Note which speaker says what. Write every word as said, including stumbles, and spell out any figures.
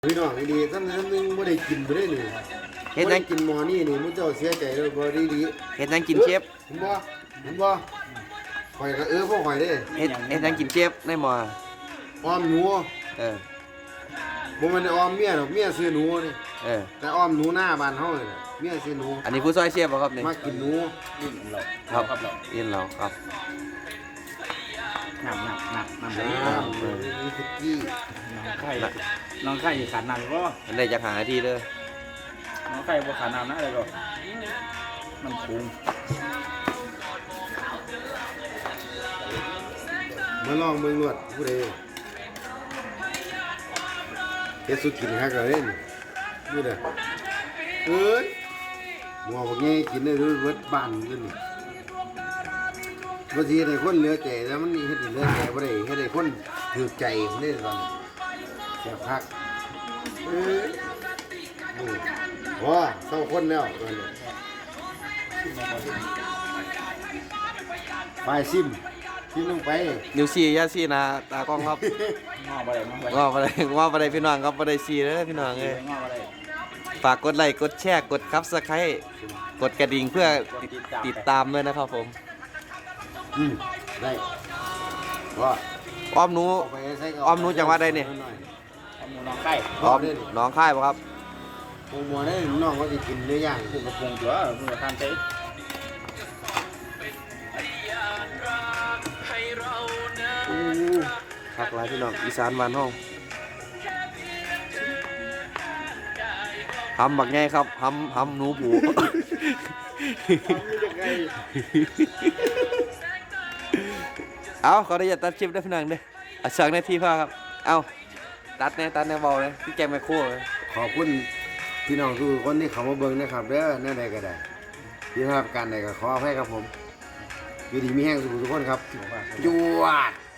Speaker 1: พี่น้องดีๆท่านท่านนึงไม่ได้กินไปได้นี่เฮ็ดยังกินหมอนี่นี่มุ้งเจ้าเสียใจเลยบ่ดีดี
Speaker 2: เฮ็ดยังกินเชฟ
Speaker 1: เห็นบ่เห็นบ่ข่อยก็เออพวกข่อยเด้
Speaker 2: เฮ็ดเฮ็ดยังกินเชฟในหม้อ
Speaker 1: ออมหนู
Speaker 2: เออ
Speaker 1: บ่แม่นออมเมียหรอกเมียซื้อหนูนี่
Speaker 2: เออ
Speaker 1: แต่ออมหนูหน้าบ้านเฮานี่เมียซื้อหนู
Speaker 2: อันนี้ผู้ซอยเชฟบ่ครับนี่
Speaker 1: มากินหนู
Speaker 3: นี่เรา
Speaker 2: ครับ
Speaker 3: ครับเรา
Speaker 2: ยินเราครับ
Speaker 3: หนักหนักหนักหนัก
Speaker 1: อ่านี่คือกี้
Speaker 3: น้องไข่น้องไข่ขาดน้ำก็
Speaker 2: อันได้จักหานาทีเด้อ
Speaker 3: น้องไข่บ่ขาดน้ำนะอะไรก็มันคุ้ม
Speaker 1: มาลองเมืองนวดผู้ใดเฮ็ดสุดกินฮักเลยนี่ดูเด้อเอ้ยหม้อบักแง่กินได้เบิดบ้านอยู่นี่บางทีได้คนเหลือใจแล้วมันเฮ็ดให้เหลือใจบ่ได้เฮ็ดให้คนถือใจมันได้ตอนนี้แซ่บคักเอ้ยอือว้าเศร้าคนแล้วตอนนี้ไปซิมซิมลงไป
Speaker 2: นิ้วซี่อย่าซี่นะตากล้องครับ
Speaker 3: งอไปเลยงอไป
Speaker 2: ว่าบ่ได้ว่าบ่ได้พี่น้องครับบ่ได้ซี่เด้อพี่น้องเอ้ย
Speaker 3: งอไปเลย
Speaker 2: ฝากกดไลค์กดแชร์กด Subscribe กดกระดิ่งเพื่อติดตามด้วยนะครับผม
Speaker 1: อืมได้ว่า
Speaker 2: อ้อมหนู
Speaker 1: เาไปใส่กระ
Speaker 2: อ้อมหนูจังหวัดใดนี่
Speaker 3: เอาหมูน้องไข่
Speaker 2: อ้อมหน้องค่ายบ่ครับ
Speaker 1: โอ้หมัวได้น้องก็จะกินเนื้อย่าง
Speaker 3: ปรุงกระปรุงตัวปรุงกระทานเต๊ะ
Speaker 2: อู้คักหลายพี่น้องอีสานบ้านเฮาหำบักใหญ่ครับหำหำหนูผู เอาขอได้อย่าตัดคลิปได้พี่น้องเด้ออ่ะสองนาทีพอครับเอาตัดแน่ตัดแน่เบาเลยพี่แกงไมโครเลย
Speaker 1: ขอบคุณพี่น้องทุกคนที่เข้ามาเบิ่งนะครับเด้อแน่ใดก็ได้ที่ทำการใดก็ขออภัยครับผมอยู่ดีมีแห้งสุขทุกคนครับจวด